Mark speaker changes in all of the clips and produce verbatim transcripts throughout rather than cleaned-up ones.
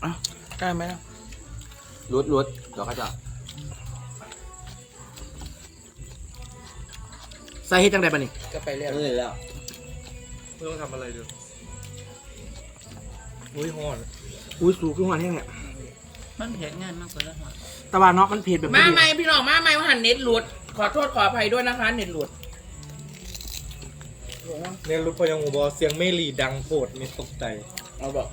Speaker 1: อ่ะได้ไหมนะ
Speaker 2: รุดรุดเดี๋ยวก็จะ
Speaker 3: ใส่เฮ็ดจังไดบัดนี้
Speaker 1: ก็ไปเรียก
Speaker 2: นี่แล้ว
Speaker 4: ไม่ต้องทำอะไรเลยอุ้ยฮอน
Speaker 3: อุ้ยสูงขึ้นมาแห้งเนี่ย
Speaker 5: มันเผ็ดง่ายมากกว่าแล้ว
Speaker 3: แต่ว่าเนาะมันเผ็ดแบบ
Speaker 1: มาใหม่พี่น้องมาใหม่ว่าหันเน็ตหลุด ขอโทษขออภัยด้วยนะคะเน็ตหลุด
Speaker 4: เนี่ยรู้พยังหูบอเสียงเมลีดังโปรดมีตกใจ
Speaker 1: เอาบอก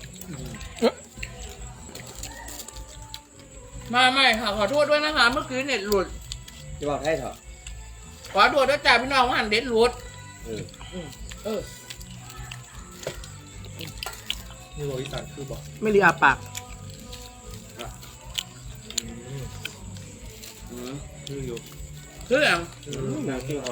Speaker 1: มาใหม่ค่ะขอโทษด้วยนะคะ เมื่อกี้เน็ตหลุด
Speaker 2: จะบอกให้เถอะ
Speaker 1: ขอโทษด้วยจ้าพี่น้องว่าหันเน็ตหลุด
Speaker 2: เออ
Speaker 1: เออ
Speaker 4: นี่บอกอีสานคือบอก
Speaker 3: ไม่รีอาปาก
Speaker 2: อืม
Speaker 4: คืออยู่
Speaker 1: คืออย่าง
Speaker 2: น้ำขี้หอน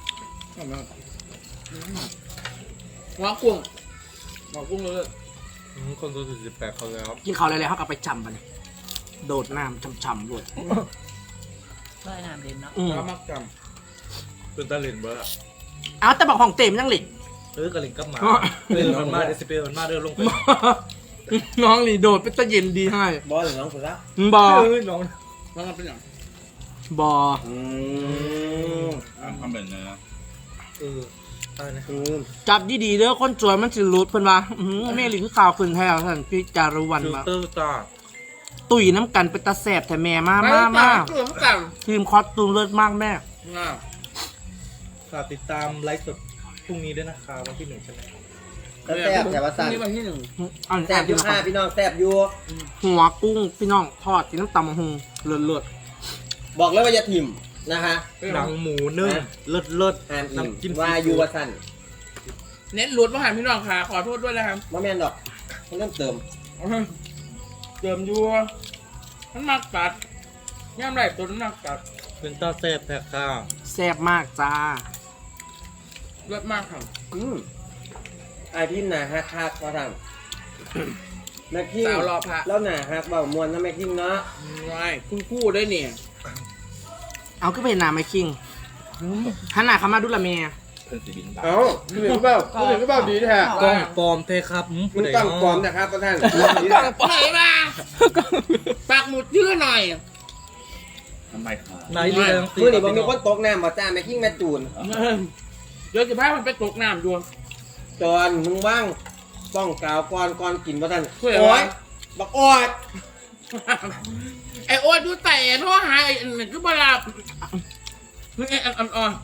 Speaker 1: หัวกุ้งหัวกุ้งเลย
Speaker 4: อืมคนตัวสี่สิบแปดเขาแล้ว
Speaker 3: กินข้าวอะไรๆเขาก็ไปจำบัดนี้โดดน้ำช่ำๆรวด
Speaker 5: ก็น้ำเด่นเนาะ
Speaker 3: อืม
Speaker 1: แล้วมักจ
Speaker 4: เป็นตาเลนเบอร์
Speaker 3: เอาแต่บอกของเต็มยังหลิก
Speaker 4: เออกระเลนกับหมาเล่นมันมาเดซิเปลมันมาเดินลงไป
Speaker 3: น้องนี่โดดเป็นตะเย็นดีให้
Speaker 2: บอสหรือน้องสุดละ
Speaker 3: บอ
Speaker 4: เอ้ยน้อง
Speaker 1: ำมันเป็นอย่าง
Speaker 3: บอ
Speaker 2: อืม
Speaker 6: ทำแบบนี้นะ
Speaker 4: เอออะไรนะ
Speaker 2: อืม
Speaker 3: จับดีๆเด้อคนสวยมันสิรูดเพิ่นว่าอื้อหือแม่หลิคือข่าวขึ้นแท้ท่านพี่จารุวรรณ
Speaker 4: ฟิล
Speaker 3: มา
Speaker 4: เตอร์ตา
Speaker 3: ตุ๋ยน้ำกันเป็นตาแสบแต่แม่มามา
Speaker 1: มา
Speaker 3: มา
Speaker 1: ตัวมันกัน
Speaker 3: ทีมคอสตูมเลิศมากแม่
Speaker 1: ง่า
Speaker 4: ฝากติดตามไลฟ์สดพรุ่งนี้ด้วยนะคะวันที่หนึ่งใช่ไหม
Speaker 2: แล้วแซ่บแต่ว่าสั่น
Speaker 1: นี่วันที่หนึ่ง
Speaker 3: อัน
Speaker 2: แซ่บอยู่ค่ะพี่น้องแซ่บอยู่
Speaker 3: หัวกุ้งพี่น้องทอดกินน้ำตำมะฮุงเลิศเลิศ
Speaker 2: บอกเลยว่าอย่าถิ่มนะคะ
Speaker 4: หนังหมูนึ่งเลิศเลิศ
Speaker 2: อ่านอิ่ม
Speaker 4: น้ำจิ้ม
Speaker 2: ว่าอยู่ว่าสั่น
Speaker 1: เน็ตหลุดมาหันพี่น้องค่ะขอโทษด้วยนะครับ
Speaker 2: ว่าแม่นดอกมันเริ่มเติม
Speaker 1: เติมยัวมันมักตัดย่ำไรตัวมันมักตัด
Speaker 4: เป็นตาแซ่บแท้ค่ะ
Speaker 3: แซ่บมากจ้า
Speaker 1: เลิศมากค่ะ
Speaker 2: อืมไอ้พี่หนาฮักฮักว่าสั่นแม่คิง
Speaker 1: สาวรอพระ
Speaker 2: แล้วหนาฮักเบามวนนะแม่คิงเนาะ
Speaker 1: ไม่คุณคู่ได้เนี่ย
Speaker 3: เอาขึ้นไปเห็นหน้าไหมคิงหันหน้าเข้ามาดูละเมีย
Speaker 6: เพื่อนสีบินบา
Speaker 2: เอ้าพี่เหลือเปล่าพี่เหลือเปล่าดีแท้
Speaker 4: กล้องปลอมเทครับอื
Speaker 2: มึง
Speaker 4: ผู้ใด
Speaker 2: ต้อง
Speaker 4: เนาะ
Speaker 2: ปลอมนะครับท่าน
Speaker 1: ไหนมาปากหมุดชื่อหน่อย
Speaker 6: ทำไมครับ
Speaker 4: นายดีทั้ง
Speaker 2: มือนี่ผมมีคนตกน้ำมาจ้าแม่คิงแม่จูน
Speaker 1: เดี๋ยวจะพามันไปตกน้ำดวง
Speaker 2: จอนมึงว่างป้องกาวก่อนก่อนกินว่าท่าน
Speaker 1: ช่วย
Speaker 2: โอ้
Speaker 1: ไว้
Speaker 2: ยบักออด
Speaker 1: ไอโอ๊ตดูแต่โทรหาไอ้หนึ่งก็บลาบนี่ไงอ่อนๆ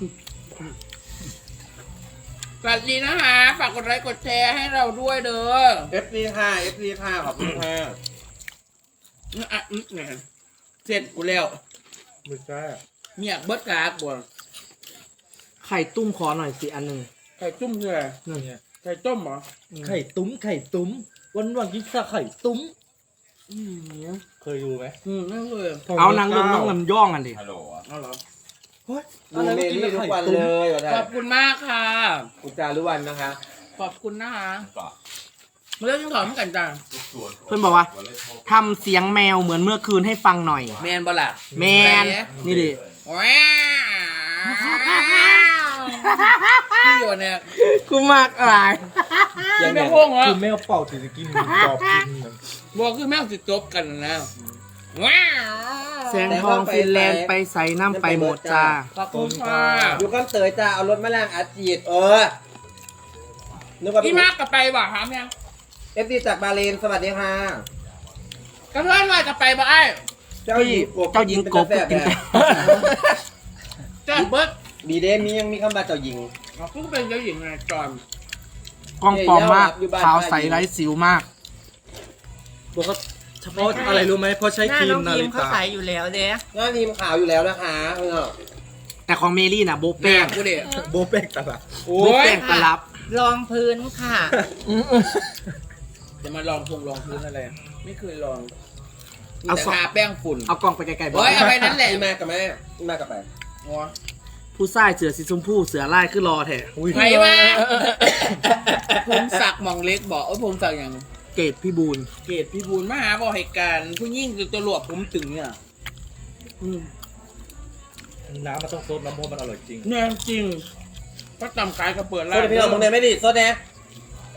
Speaker 1: สวัสดีนะคะฝากกดไลค์กดแชร์ให้เราด้วยเด้อ
Speaker 2: เอฟซีค่ะเอฟซีค่ะขอบคุณค่ะ
Speaker 1: อ่ะอืมเนี่ยเสร็จกูแล้ว
Speaker 4: ไม่ใช่
Speaker 1: เมียเบิดกากบ่
Speaker 3: ไข่ตุ้มขอหน่อยสิอันหนึ่ง
Speaker 1: ไข่จุ่มคืออะไร
Speaker 3: นี่
Speaker 4: เนี่ย
Speaker 1: ไข่ต้มเหรอ
Speaker 4: ไข่ตุ้มไข่ตุ้มวันวันกินข้าวไข่ตุ้ม
Speaker 1: อืม
Speaker 4: เคยดูไหม
Speaker 1: อืมนั่นเลย
Speaker 3: เอานางลงน้องลำย่องกันดิ
Speaker 6: ฮัลโหลอะ
Speaker 1: เอาเหรอ
Speaker 4: เฮ้ย
Speaker 2: ดูเมลี่ทุกวันเลยว่าท่า
Speaker 1: ขอน บคุณมากค่ะ
Speaker 2: อุจารุวันนะคะ
Speaker 1: ขอบคุณนะคะ
Speaker 6: ก็
Speaker 1: มาเล่นยังถอดมันกันจ้า
Speaker 6: ส่วน
Speaker 3: เพื่อนบอกว่าทำเสียงแมวเหมือนเมื่อคืนให้ฟังหน่อย
Speaker 1: แมนบล่ะ
Speaker 3: แมนนี่ดิ
Speaker 1: ว้าวพี่อยู่เนี่ย
Speaker 3: กูมากอะไร
Speaker 1: ยังไม่พงเหรอ
Speaker 4: คือแมวเป่าถือกินหมูกรอบกินนะ
Speaker 1: บอกคือแม่งสิจบกันนะว้าว
Speaker 3: แสงทองฟินแลนด์ไปใส่น้ำไปหมดจ้า
Speaker 1: ขอบคุณค่ะ
Speaker 2: อยู่ก้อนเตยจ้าเอารถมาล้างอาจีดเออนึกว่า
Speaker 1: พี่มากกับไปบ่ถามยัง
Speaker 2: เอฟซีจากบาเลนสวัสดีค่ะ
Speaker 1: กระเพื่อนว่าจะไปบ่ไอ้
Speaker 2: เจ้าหญิงกบ
Speaker 3: เจ้าหญิงกบ
Speaker 2: เป็น
Speaker 3: กิน
Speaker 2: แต่
Speaker 1: เจ้าเบิร์ด
Speaker 2: ดีเดมียังมีคำว่าเจ้าหญิง
Speaker 1: เขาเพิ่งเป็นเจ้าหญิงไงจอน
Speaker 3: กล้องปลอมมากขาวใสไร้สิวมาก
Speaker 4: บอกว่าเฉพาะอะไรรู้ไหมเพราะใช้
Speaker 5: หน้า
Speaker 4: ครี
Speaker 5: น้
Speaker 4: ม
Speaker 5: อง
Speaker 4: นา
Speaker 5: พิม
Speaker 4: ฬิ
Speaker 5: เขา
Speaker 4: ตา
Speaker 5: ใส่อยู่แล้วเด้
Speaker 2: หน้าทีมขาวอยู่แล้วนะคะเออ
Speaker 3: แต่ของเมลี่น่ะโบ
Speaker 1: แป้
Speaker 3: แป้
Speaker 1: ง
Speaker 3: ง
Speaker 1: กูเด็
Speaker 4: โบแป้งตลาด
Speaker 1: โอ้
Speaker 3: โบ
Speaker 1: ย
Speaker 3: แป้งตลับ
Speaker 5: รองพื้นค่ะ
Speaker 1: จะมาลองพงลองพื้นอะไร ไม่เคยลอง
Speaker 3: เอา
Speaker 1: แต่
Speaker 3: สอง
Speaker 1: ทาแป้งฝุ่น
Speaker 3: เอากล้องไปไกลๆบอ
Speaker 1: โอ้ยเอาไปนั่นแหละ
Speaker 2: พี่มากับแม่พี่มากับไป
Speaker 1: หัว
Speaker 3: ผู้ชายเสือสีชมพูเสือลายคือรอแท้
Speaker 4: อุ้ย
Speaker 1: ใครวะผมสักมองเล็กบอกเออผมสักอย่าง
Speaker 3: เกตพี่บูน
Speaker 1: เกตพี่บูลมาหาบอกเหตุการณ์ผู้ยิ่งตัวหลวกผมตึงเนี่ยอืม
Speaker 4: น้ำมันต้องซดน้ำเพราะมันอร่อยจริง
Speaker 1: เนี่ยจริงเพราะตำกายก็เปิด
Speaker 2: โซ
Speaker 1: ร้าน
Speaker 2: ดพี่น้องมึงเนี่ยไม่ดีโซดแน่กู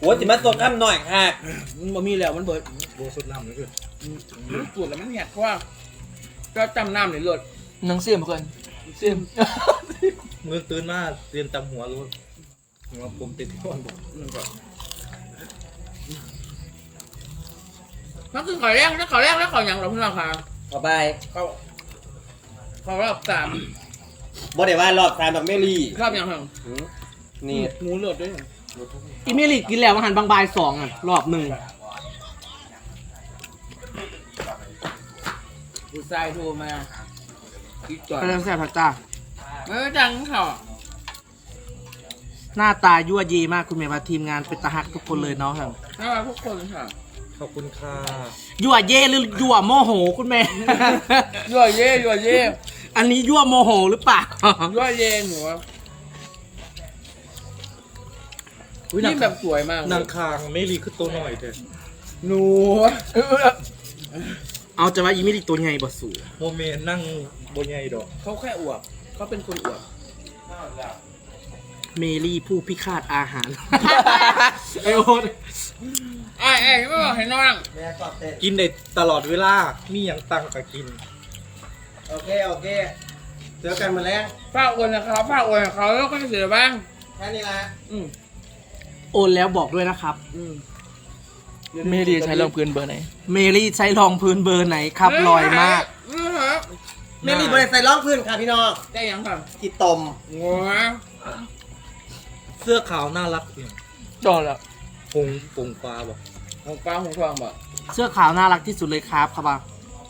Speaker 2: อ้จิมาสดข้ามหน่อยค่ะ
Speaker 1: มันบ่มีแล้วมันเบิด
Speaker 4: โบสุดน้ำเลยคือ
Speaker 1: มันปวดแล้วมันแหกเพราะว่าก็จำน้ำเลยเลือด
Speaker 3: หนังเสียมเกินเสียม
Speaker 4: เงินตื่นมาเตรียมตำหัวรู้หัวผมติดที่วันบอก
Speaker 1: มันก็มันคือขอแรกแล้วขอแรกแล้วขออย่างเราเพื่อนค่ะ
Speaker 2: ต่อไป
Speaker 1: เขาเขารอบสาม
Speaker 2: บ่ได้ว่ารอบสามแบบเมลี่
Speaker 1: รอบอย่างหนึ่ง
Speaker 2: หืมนี่
Speaker 1: หมูเลือดด้วย
Speaker 3: อีเมลิกินแล้วมาหันบางบายสองอ่ะรอบหนึ่ง
Speaker 1: ผู้ชายโทรมาอีกจอด
Speaker 3: กำลังแซ่บผักจ้า
Speaker 1: ไม่จังเขา
Speaker 3: หน้าตายั่วยีมากคุณเมย์มาทีมงานเป็นตาหักทุกคนเลยเนาะครับ
Speaker 1: น่ารักทุกคนค่ะ
Speaker 4: ขอบคุณค่ะ
Speaker 3: ยั่วเย่หรือยั่วโมโหคุณเมย์
Speaker 1: ยั่วเย่ยั่วเย่
Speaker 3: อันนี้ยั่วโมโหหรือเปล่า
Speaker 1: ยั่วเย่หนูอะ
Speaker 4: อุ๊ย
Speaker 1: นี่แบบสวยมาก
Speaker 4: นางคางไม่รีคือตัวหน่อยเถอะ
Speaker 1: หนู
Speaker 3: เอาจะว่าอีเมลิตัวใหญ่บ่สู
Speaker 4: โมเมนนั่งบนใหญ่ดอก
Speaker 1: เขาแค่อวบเขาเป็นคนอวบ
Speaker 3: เมลี่ผู้พิฆาตอาหาร ไอโอ๊ต
Speaker 1: ไอ้ไอ้ไม่บอกให้น้อง
Speaker 2: แม่กอดเตะ
Speaker 4: กินได้ตลอดเวลา มีอย่างตังกับกิน
Speaker 2: โอเคโอเคเจอกันมาแล้ว
Speaker 1: ฝากอวยนะครับฝากอวยเขาแล้วก็จะเสียบ้าง
Speaker 2: แค่นี้ละ
Speaker 1: อืม
Speaker 3: โอนแล้วบอกด้วยนะครับ
Speaker 1: อืม
Speaker 7: เมรีใช้รองพื้นเบอร์ไหน
Speaker 3: เมลี่ใช้รองพื้นเบอร์ไหนครับลอยมาก
Speaker 1: อืมครับ
Speaker 2: เมลี่บริใส่ร้องพื้นค่ะพี่น้อง
Speaker 1: ได้ยังครับ
Speaker 2: กีตม
Speaker 1: งัว
Speaker 4: เสื้อขาวน่ารักเนี่ย
Speaker 7: จอแล้ว
Speaker 4: พงพงฟ้าบอก
Speaker 1: หงปลาหงทองบ่
Speaker 3: เสื้อขาวน่ารักที่สุดเลยครับครับอ่ะ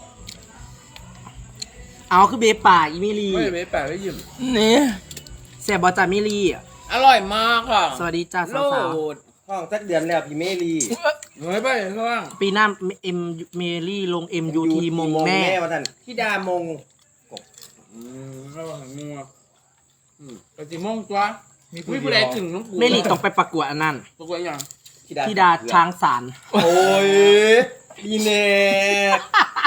Speaker 3: เอาคือเบป่าอีเมลี่
Speaker 1: ไม่ได้ไปแปะไว้ยิ้ม
Speaker 7: นี่
Speaker 3: แซ่บบอจ่าเมลี่
Speaker 1: อร่อยมากค่ะ
Speaker 3: สวัสดีจ้า
Speaker 1: โล
Speaker 3: สาว
Speaker 1: ด
Speaker 2: ห้องสักเดือนแล้วพี่เมลี่
Speaker 1: เฮ้ยไปข้าง
Speaker 3: ๆปีหน้าเอ็มเมลี่ลง เอ็ม ยู ที มงแม่
Speaker 2: มาท่านพี่ดามง
Speaker 1: อืมระวังงัวอืมไปสิโมงตัวมีผู้ใดถึงน้องปู
Speaker 3: เมลี่ต้องไปประกวดอันนั้น
Speaker 1: ประกวดยัง
Speaker 3: ธิดาช้างสาร
Speaker 2: โอ้ยพี่เนก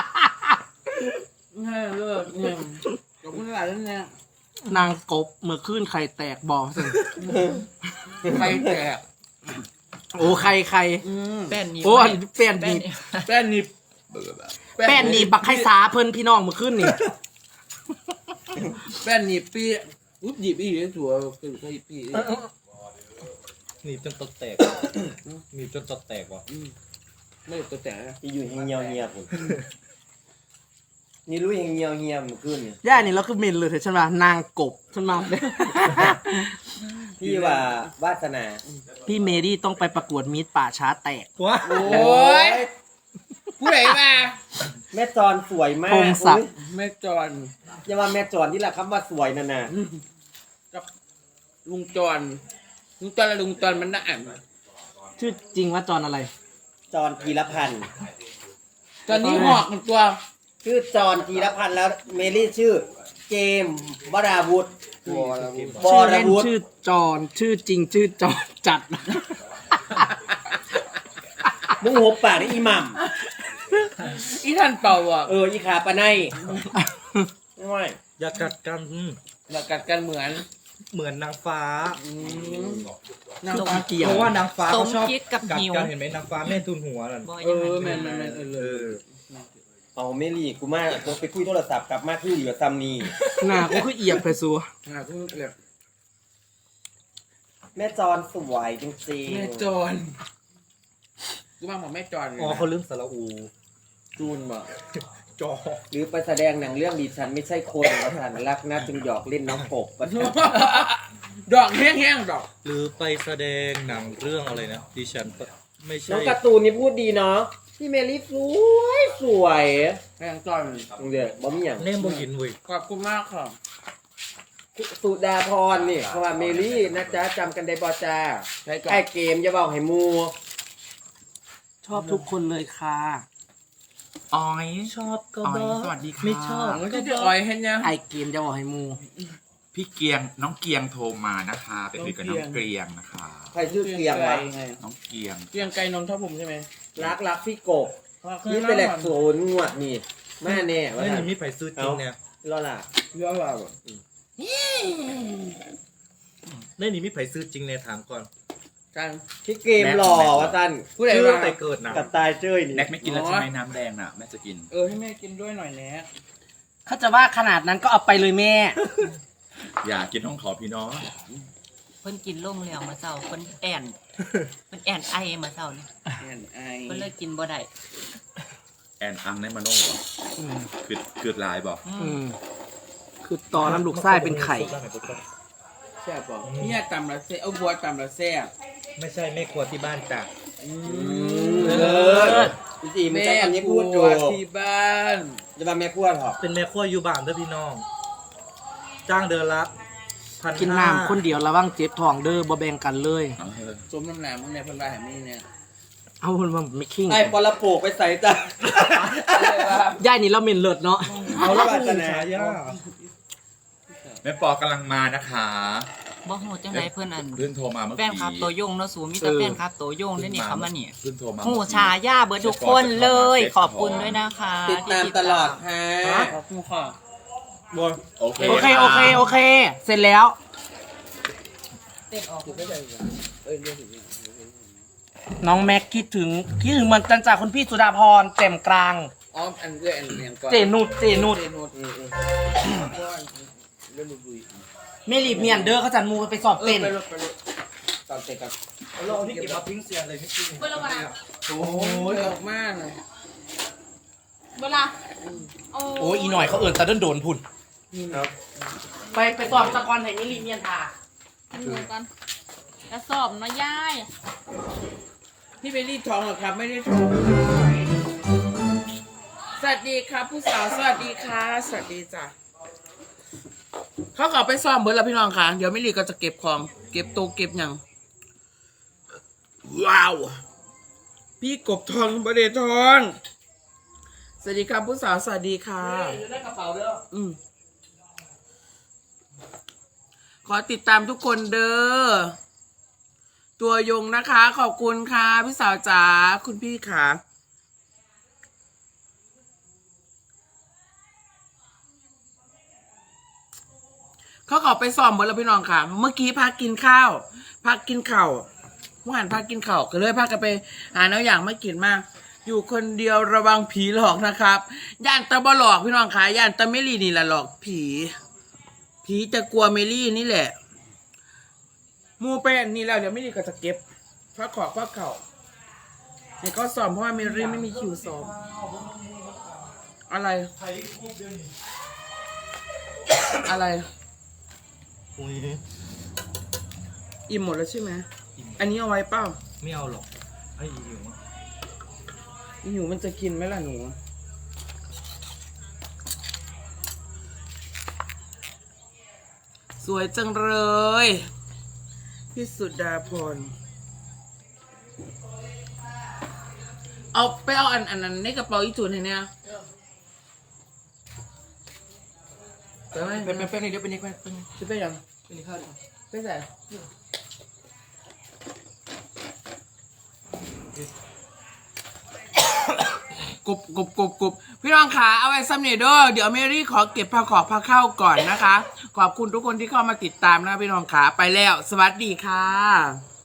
Speaker 1: แม่เลิกเนี่ยขอบคุณหลายท่านเนี่ย
Speaker 3: นางกบเมื่อคืนไข่แตกบอสิ
Speaker 1: ใครแตก
Speaker 3: โอ้ใครใคร
Speaker 1: อืม
Speaker 5: แป้นนี้
Speaker 3: โอ้อันนี้แป้น
Speaker 5: แป้
Speaker 3: ดี
Speaker 5: นนี้
Speaker 1: แป้นนิบ
Speaker 3: แป้นดีบักไข่สาเพิ่นพี่น้องเมื่อคืนนี่
Speaker 1: แป้นนิบปีอุ๊บหยิบอีกเลยถั่วคือใครปี
Speaker 4: หนีบจนตดแตกหนีบจนตดแตกว่ะ
Speaker 1: ไม่ตัวแตกนะ
Speaker 2: พี่อยู่เงียวเงียบผมนี่รู้ยังเงียวเงียบเมื่อคืนเนี่ย
Speaker 3: ย่านี่เราคือเมนเลยเถอะฉันว่านางกบฉันมา
Speaker 2: พี่ว่าวาสนา
Speaker 3: พี่เมรี่ต้องไปประกวดมิตรป่าช้าแตก
Speaker 4: ว้า
Speaker 1: โอ้ยผู้ใดมา
Speaker 2: แม่จอนสวยมาก
Speaker 3: พงศักดิ์
Speaker 2: อุ๊ย
Speaker 1: แม่จอน
Speaker 2: อย่าว่าแม่จอนที่ละคำว่าสวยนั่นน่ะ
Speaker 1: กับลุงจอนลุงจอนและลุงจอนมันน่าอ่าน
Speaker 3: ชื่อจริงว่าจอนอะไร
Speaker 2: จอนกีรพันธ์
Speaker 1: ตอนนี้หอกมันตัว
Speaker 2: ชื่อจอนกีรพันธ์แล้วเมลี่ชื่อเกมวราวุธว
Speaker 3: ชื่อ
Speaker 2: ร
Speaker 3: เล่น
Speaker 2: วุธ
Speaker 3: ชื่อจอนชื่อจริงชื่อจอนจัด
Speaker 2: มึงหัวปากได้อีหม่
Speaker 1: อีท่านเป่าอ่ะ
Speaker 2: ำเอออีขาปะไนไม่ไหว
Speaker 4: อย่ากัดกันอืม
Speaker 1: เรากัดกันเหมือน
Speaker 4: เหมือนนางฟ้า
Speaker 1: อืม
Speaker 3: นางฟ้าเกี่ยว
Speaker 4: เพราะว่านางฟ้า
Speaker 5: ส
Speaker 4: เขา
Speaker 5: ม
Speaker 4: ชอบ
Speaker 5: คิดกับ
Speaker 4: กัด
Speaker 5: หิว
Speaker 4: กันเห็นไหมนางฟ้าแม่ทุนหัวนั่น
Speaker 5: บ่
Speaker 1: เอ
Speaker 5: ยัง
Speaker 1: อ
Speaker 5: ไง
Speaker 1: แม่นแม่นแม่นเออ
Speaker 4: เอ
Speaker 1: เลย
Speaker 4: อ
Speaker 2: เอาเมลี่กูมาตัวไปคุยโทรศัพท์กลับมาคือเหลือซัมนี
Speaker 3: หน้าก็คือเอียบไปซัว
Speaker 1: หาทุกเรื่อง
Speaker 2: แม่จอนสวยจริง
Speaker 1: แม่จอนกูมาบอกแม่จอน
Speaker 4: อ๋อเขาลืมสระอู
Speaker 1: จูนบ่
Speaker 4: จอ
Speaker 2: ๆหรือไปแสดงหนังเรื่องดิฉันไม่ใช่คนประธานรักนะจึงหยอกเล่นน้องกบประธาน
Speaker 1: ดอกแห้งๆดอก
Speaker 4: หรือไปแสดงหนังเรื่องอะไรนะดิฉันไม่
Speaker 2: น้
Speaker 4: ใช่
Speaker 2: องการ์ตูนนี่พูดดีเนาะพี่เมลี่สวยสวย
Speaker 1: แห้งจอน
Speaker 2: เดี๋ยวบ่มีอย่าง
Speaker 4: เน่มบ่ยินเว้ย
Speaker 1: ขอบคุณมากค่ะ
Speaker 2: สุดาพรนี่เขาว่าเมลี่นะจ๊ะจำกันได้บ่จ้า
Speaker 1: ใช้ก่อน
Speaker 2: ไอ้เกมอย่าบอกให้มู
Speaker 3: ชอบทุกคนเลยค่ะ
Speaker 7: ออย
Speaker 4: ชอบก็
Speaker 7: ออย
Speaker 4: บอก
Speaker 7: สวัสดีค่ะ
Speaker 4: ไม่ชอบ
Speaker 1: มันก็จะอ่อยเห็นยัง
Speaker 3: ไอเกมจะบอกให้มู
Speaker 6: พี่เกียงน้องเกียงโทรมานะคะไปคุยกับน้องเกรียงนะคะ
Speaker 2: ใครชื่อเกียงวะ
Speaker 1: ไง
Speaker 6: น้องเกียง
Speaker 1: เกียงไก่นนทบุรีใช่ไหม
Speaker 2: รักรักพี่กบนี่เป็นแหลกโซนงวดนี่แม่แน่ว่า
Speaker 4: ไม่
Speaker 2: ท่าน
Speaker 4: มีไผซื้อจริงเนี่ย
Speaker 2: รอล่ะ
Speaker 1: เยอะว่าแบบ
Speaker 4: ได้นี่มีไผซื้อจริงในถามก่อน
Speaker 1: ใจกัน
Speaker 2: พี่เกมหล่อวะตัน
Speaker 1: ผู้ใด
Speaker 4: ชื่อ
Speaker 1: ว่า
Speaker 4: แต่เกิดนะ
Speaker 2: กับตายเจ้ยนี่
Speaker 6: แน็กไม่กินแล้วใช่ไหมน้ำแดงน่ะแม่จะกิน
Speaker 1: เออให้แม่กินด้วยหน่อยแน่
Speaker 3: เขาจะว่าขนาดนั้นก็เอาไปเลยแม่
Speaker 6: อย่ากินห้องขอพี่น้อง
Speaker 5: เพิ่นกินล่มแล้วมาเศร้าเพิ่นแอนเพิ่นแอนไอมาเศร้านี่
Speaker 1: แอนไอ
Speaker 5: เพิ่นเลยกินบ่ได้
Speaker 6: แอนอังในมาโน่บ่คือคือลายบ่
Speaker 3: อืมคือตอนน้ำลูกไส้เป็นไข่
Speaker 1: แซ่บบอกเนี่ยตำละแซ่บเอาบัวตำละแซ่บ
Speaker 4: ไม่ใช่แม่ครัวที่บ้านจ้ะ
Speaker 2: เลิศพี่จีมันใช้คำนี้พูดอยู่
Speaker 1: แม่ครัวที่บ้าน
Speaker 2: จะมาแม่ครัวหรอ
Speaker 4: เป็นแม่ครัวอยู่บ้านเด้อพี่น้อง จ้างเดือนละพัน
Speaker 3: กินน้ำคนเดียวระวังเจ็บท้องเด้อบ่แบ่งกันเลย
Speaker 6: เอาเถอะ
Speaker 1: สมน้ำหนามึงในพันวาแห่งนี้เนี่ย
Speaker 3: เอาคนมาไม่คิง
Speaker 2: ไอ้ปลาโปกไปใส่จ้ะ
Speaker 3: ย่ายนี่เราเมนเลิศเนาะ
Speaker 2: เอาละบาสนา
Speaker 4: ฉายา
Speaker 6: แม่ปอกำลังมานะคะ
Speaker 5: บ่ฮู้จังไดเพิ่นอัน
Speaker 6: เพิ่งโทรมาเมื่อ
Speaker 5: แฟ
Speaker 6: กี้
Speaker 5: นคลับตัวยงเนาะสูมีแต่แฟนคลับตัวยงได้นี่เขามานี่
Speaker 6: เพิ่งโทรมา
Speaker 5: หูชาย่าเบิร์ดทุกคนเลย ขอบคุณด้วยนะคะ
Speaker 2: ติดตามตลอดฮะ
Speaker 1: ขอบคุณค่ะ
Speaker 4: บัว
Speaker 6: โอเค
Speaker 3: โอเคโอเคโอเค เสร็จแล้ว น้องแม็กคิดถึงคิดถึงเหมือนกันจากคุณพี่สุดาพรแจ่มกลาง
Speaker 1: อ๋ออันเอื้ออันเนียงก่อน
Speaker 3: เจนุดเจนุด
Speaker 1: เจนุดอืมอืมเรื่องบุย
Speaker 3: เมลีบเมียนเด้อเขาจันมูไปสอบ
Speaker 1: เออ
Speaker 3: เต้น
Speaker 1: ไปรถไปรถตอนเตะกับ
Speaker 4: เราเอาที่เก็บมาทิ้งเสียเลยไม่ทิ้ง
Speaker 1: โอ้ยออกมากเลย
Speaker 8: เวลา
Speaker 3: โอ้ยอีหน่อยเขาเอิ่นตะเดินโดนพุ่น
Speaker 4: ครับ
Speaker 3: ไปไปสอบตะกอนให้เมลีบเมียนทา
Speaker 8: เหมือนกันกระสอบเนาะย่าย
Speaker 1: พี่ไปรีดทองเหรอครับ ไม่ได้ทองสวัสดีครับ ผู้สาวสวัสดีค่ะสวัสดีจ้ะเขาขอไปซ่อมเบิร์ดแล้วพี่น้องค่ะ เดี๋ยวไม่รีก็จะเก็บของ เก็บโตะเก็บหยังว้าว พี่กบทองบเดทอง สวัสดีครับผู้สาวสวัสดีค่ะ
Speaker 3: อยู่ในกระเป๋าเด้อ
Speaker 1: อืมขอติดตามทุกคนเด้อ ตัวยงนะคะ ขอบคุณค่ะ พี่สาวจ๋าคุณพี่ค่ะเขาขอไปซ้อมหมดแล้วพี่น้องค่ะ เมื่อกี้พักกินข้าวพักกินข้าวเมื่อวานพักกินข้าวก็เลยพากันไปหาแนวอย่างไม่กินมาก อยู่คนเดียวระวังผีหลอกนะครับย่านตะบอหลอกพี่น้องค่ะย่านตะเมลี่นี่แหละหลอกผี ผีจะกลัวเมลี่นี่แหละมูเป็นนี่แล้วเดี๋ยวเมลี่ก็จะเก็บพักขอกพักเข่าเนี่ยก็ซ้อมเพราะว่าเมลี่ไม่มีคิวซ้อมอะไร อะไร
Speaker 4: อุ้ย
Speaker 1: อิ่มหมดแล้วใช่ไหมอันนี้เอาไว้เปล่า
Speaker 4: ไม่เอาหรอกไอ้หิว
Speaker 1: หนูมันจะกินไหมล่ะหนูสวยจังเลยพี่สุดาพรเอาไปเอาอันอันนั้นในกระเป๋าอีจูนให้เนี่ยไปไหม
Speaker 3: เป็นเป็นเป็นเดี๋ยวเป็นนี่เป็นเป็น
Speaker 1: จะไปยัง
Speaker 3: เป็นนี่ข้าวดี
Speaker 1: ไปใส่กบกบกบกบพี่น้องขาเอาไว้ซัมเนเดอร์เดี๋ยวเมรี่ขอเก็บผ้าขอบผ้าเข้าก่อนนะคะ ขอบคุณทุกคนที่เข้ามาติดตามนะพี่น้องขาไปแล้ว สวัสดีค่ะ